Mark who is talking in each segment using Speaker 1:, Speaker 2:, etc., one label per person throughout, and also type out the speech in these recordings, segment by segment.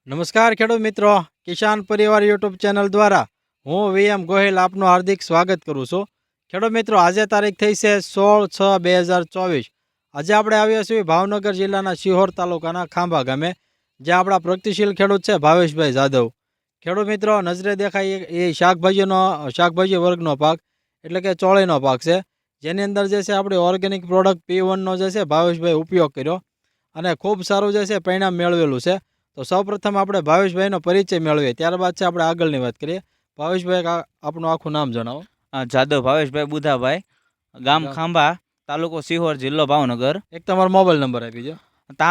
Speaker 1: નમસ્કાર ખેડૂત મિત્રો, કિસાન પરિવાર યુટ્યુબ ચેનલ દ્વારા હું VM ગોહિલ આપનું હાર્દિક સ્વાગત કરું છું. ખેડૂત મિત્રો, આજે તારીખ થઈ છે 16/6/2024. આજે આપણે આવ્યા છીએ ભાવનગર જિલ્લાના શિહોર તાલુકાના ખાંભા ગામે, જ્યાં આપણા પ્રગતિશીલ ખેડૂત છે ભાવેશભાઈ જાદવ. ખેડૂત મિત્રો, નજરે દેખાય એ શાકભાજી વર્ગનો પાક એટલે કે ચોળીનો પાક છે, જેની અંદર જે છે આપણી ઓર્ગેનિક પ્રોડક્ટ P1નો જે છે ભાવેશભાઈ ઉપયોગ કર્યો અને ખૂબ સારું જે છે પરિણામ મેળવેલું છે. તો સૌપ્રથમ આપણે ભાવેશભાઈનો પરિચય મેળવીએ, ત્યારબાદ છે આપણે આગળની વાત કરીએ. ભાવેશભાઈ, આપનું આખું નામ જણાવો.
Speaker 2: જાદવ ભાવેશભાઈ બુધાભાઈ, ગામ ખાંભા, તાલુકો શિહોર, જિલ્લો ભાવનગર.
Speaker 1: એક તમારો મોબાઈલ નંબર આપી દો.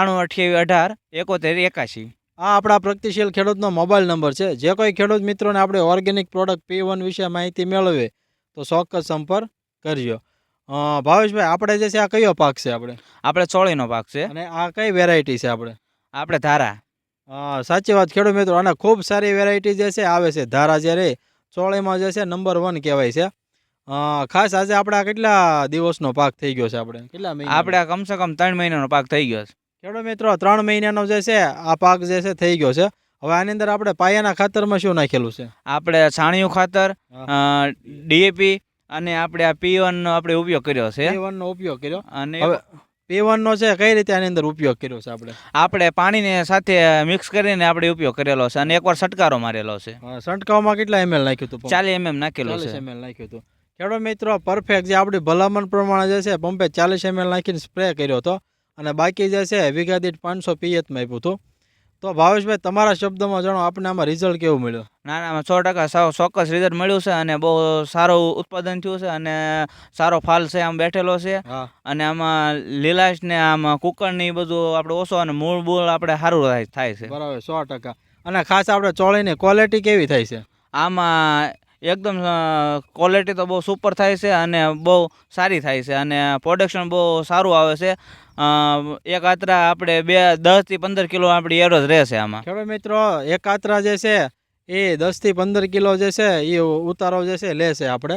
Speaker 2: 9328187181.
Speaker 1: આ આપણા પ્રગતિશીલ ખેડૂતનો મોબાઈલ નંબર છે. જે કોઈ ખેડૂત મિત્રોને આપણે ઓર્ગેનિક પ્રોડક્ટ P1 વિશે માહિતી મેળવે તો ચોક્કસ સંપર્ક કરજો. ભાવેશભાઈ, આપણે જે છે આ કયો પાક છે?
Speaker 2: આપણે ચોળીનો પાક છે
Speaker 1: અને આ કઈ વેરાયટી છે?
Speaker 2: આપણે ધારા.
Speaker 1: સાચી વાત ખેડૂત મિત્રો, અને ખૂબ સારી વેરાયટી જે છે આવે છે ધારા, જે રે ચોળીમાં જે છે નંબર 1 કહેવાય છે. ખાસ આજે આપણે કેટલા દિવસનો પાક થઈ ગયો છે? કેટલા મહિના?
Speaker 2: આપણે કમસે કમ 3 મહિનાનો પાક થઈ ગયો છે
Speaker 1: ખેડૂત મિત્રો. 3 મહિનાનો જે છે આ પાક જે છે થઈ ગયો છે. હવે આની અંદર આપણે પાયાના ખાતરમાં શું નાખેલું છે?
Speaker 2: આપણે છાણિયું ખાતર, DAP અને આપણે આ P1 નો આપણે ઉપયોગ કર્યો છે.
Speaker 1: P1 નો ઉપયોગ કર્યો.
Speaker 2: અને
Speaker 1: P1 નો છે કઈ રીતે આની અંદર ઉપયોગ કર્યો છે?
Speaker 2: આપણે પાણીને સાથે મિક્સ કરીને આપણે ઉપયોગ કરેલો છે અને એકવાર છંટકારો મારેલો છે.
Speaker 1: છંટકાવમાં કેટલા ml નાખ્યું હતું?
Speaker 2: 40 mm નાખેલો છે.
Speaker 1: 40 ml નાખ્યું હતું. ખેડૂત મિત્રો, પરફેક્ટ જે આપણી ભલામણ પ્રમાણે જે છે પંપે 40 ml નાખીને સ્પ્રે કર્યો હતો અને બાકી જે છે વીઘા દીઠ 500 પિયતમાં આપ્યું હતું. તો ભાવેશભાઈ, તમારા શબ્દમાં જણાવો, આપણે આમાં રિઝલ્ટ કેવું મળ્યું?
Speaker 2: ના, 100% ચોક્કસ રિઝલ્ટ મળ્યું છે અને બહુ સારું ઉત્પાદન થયું છે અને સારો ફાલ છે આમ બેઠેલો છે. અને આમાં લીલાશ ને આમાં કુકર ને બધું આપણે ઓછો અને મૂળ આપણે સારું થાય છે.
Speaker 1: બરાબર, 100%. અને ખાસ આપણે ચોળીની ક્વોલિટી કેવી થાય છે?
Speaker 2: આમાં એકદમ ક્વોલિટી તો બહુ સુપર થાય છે અને બહુ સારી થાય છે અને પ્રોડક્શન બહુ સારું આવે છે. એક આત્રા આપણે 10 થી 15 કિલો આપણી એવરેજ રહેશે આમાં.
Speaker 1: ખેડૂત મિત્રો, એક આત્રા જે છે એ 10 થી 15 કિલો જે છે એ ઉતારો જે છે લેશે. આપણે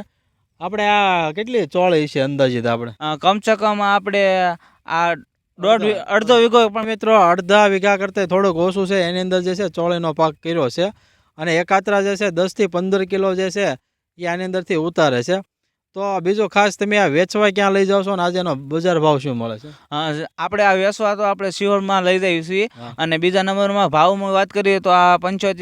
Speaker 1: આ કેટલી ચોળી છે અંદાજિત?
Speaker 2: કમસે કમ આપણે આ અડધો વીઘો, પણ
Speaker 1: મિત્રો અડધા વીઘા કરતાં થોડુંક ઓછું છે, એની અંદર જે છે ચોળીનો પાક કર્યો છે અને એકાત્રા જે છે 10 થી 15 કિલો જે છે એ આની અંદરથી ઉતારે છે. તો બીજું ખાસ, તમે આ વેચવા ક્યાં લઈ જાવ છો અને આજે એનો બજાર ભાવ શું મળે છે?
Speaker 2: આપણે આ વેચવા તો આપણે શિહોરમાં લઈ જઈએ છીએ અને બીજા નંબરમાં ભાવમાં વાત કરીએ તો આ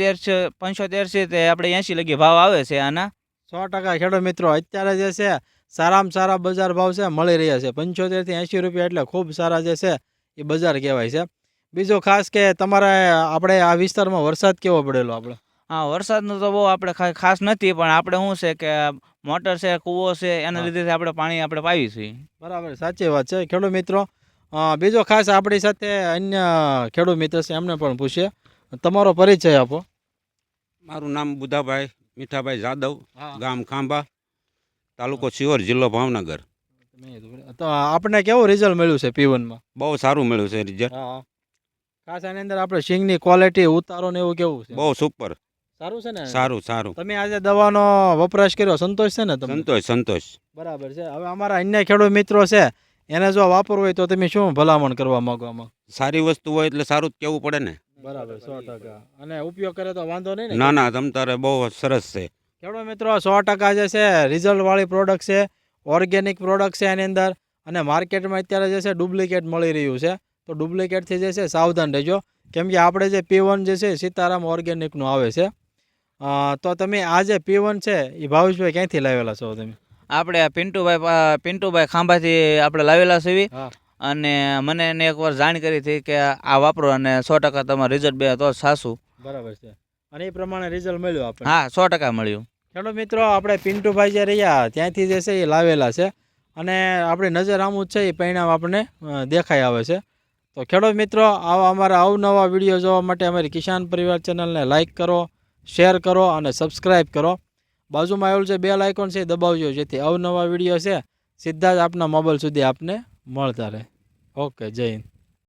Speaker 2: 75 છે તે આપણે 80 લગી ભાવ આવે છે આના.
Speaker 1: 100% ખેડૂત મિત્રો, અત્યારે જે છે સારામાં સારા બજાર ભાવ છે મળી રહ્યા છે. 75 થી 80 રૂપિયા એટલે ખૂબ સારા જે છે એ બજાર કહેવાય છે. બીજું ખાસ કે તમારે આપણે આ વિસ્તારમાં વરસાદ કેવો પડેલો?
Speaker 2: હા, વરસાદનું તો બહુ આપણે ખાસ નથી, પણ આપણે શું છે કે મોટર છે, કૂવો છે, એના લીધે આપણે પાણી આપણે પાવી છીએ.
Speaker 1: બરાબર, સાચી વાત છે ખેડૂત મિત્રો. બીજો ખાસ આપણી સાથે અન્ય ખેડૂત મિત્ર છે, એમને પણ પૂછીએ. તમારો પરિચય આપો.
Speaker 3: મારું નામ બુધાભાઈ મીઠાભાઈ જાદવ, ગામ ખાંભા, તાલુકો શિહોર, જિલ્લો ભાવનગર.
Speaker 1: તો આપણે કેવું રિઝલ્ટ મળ્યું છે P1માં?
Speaker 3: બહુ સારું મળ્યું છે રિઝલ્ટ.
Speaker 1: ખાસ આની અંદર આપણે સિંગની ક્વોલિટી, ઉતારો ને એવું કેવું છે?
Speaker 3: બહુ સુપર.
Speaker 1: સારું છે ને?
Speaker 3: સારું.
Speaker 1: તમે આજે દવાનો વપરાશ કર્યો, સંતોષ છે ને તમને?
Speaker 3: સંતોષ.
Speaker 1: બરાબર છે. હવે અમારા અન્ય ખેડૂત મિત્રો છે, એને જો વાપરવું હોય તો તમે શું ભલામણ કરવા માંગો?
Speaker 3: સારી વસ્તુ હોય એટલે સારું જ કેવું પડે ને.
Speaker 1: બરાબર, 100%. અને ઉપયોગ કરે તો વાંધો નહીં ને?
Speaker 3: ના, તમ તારે બહુ સરસ છે.
Speaker 1: ખેડૂત મિત્રો, 100% જે છે રિઝલ્ટ વાળી પ્રોડક્ટ છે, ઓર્ગેનિક પ્રોડક્ટ છે એની અંદર. અને માર્કેટમાં અત્યારે જે છે ડુપ્લિકેટ મળી રહ્યું છે, તો ડુપ્લિકેટથી જે છે સાવધાન રહેજો, કેમ કે આપણે જે P1 જે છે સીતારામ ઓર્ગેનિકનું આવે છે. તો તમે આ જે P1 છે એ ભાવેશભાઈ ક્યાંથી લાવેલા છો તમે?
Speaker 2: આપણે પિન્ટુભાઈ ખાંભાથી આપણે લાવેલા છે અને મને એને એકવાર જાણ કરી હતી કે આ વાપરો અને 100% તમારું રિઝલ્ટ બે તો સાસું.
Speaker 1: બરાબર છે. અને એ પ્રમાણે રિઝલ્ટ મળ્યું આપણે?
Speaker 2: હા, 100% મળ્યું.
Speaker 1: ખેડૂત મિત્રો, આપણે પિન્ટુભાઈ જે રહ્યા ત્યાંથી જે છે એ લાવેલા છે અને આપણી નજર આમ જ છે એ પરિણામ આપણને દેખાઈ આવે છે. તો ખેડૂત મિત્રો, આવા અમારા અવનવા વિડીયો જોવા માટે અમારી કિસાન પરિવાર ચેનલને લાઇક કરો, શેર કરો અને સબસ્ક્રાઈબ કરો. બાજુમાં આવેલું છે બેલ આઇકોન છે, દબાવજો, જેથી અવનવા વિડીયો છે સીધા જ આપના મોબાઈલ સુધી આપને મળતા રહે. ઓકે, જય હિન્દ.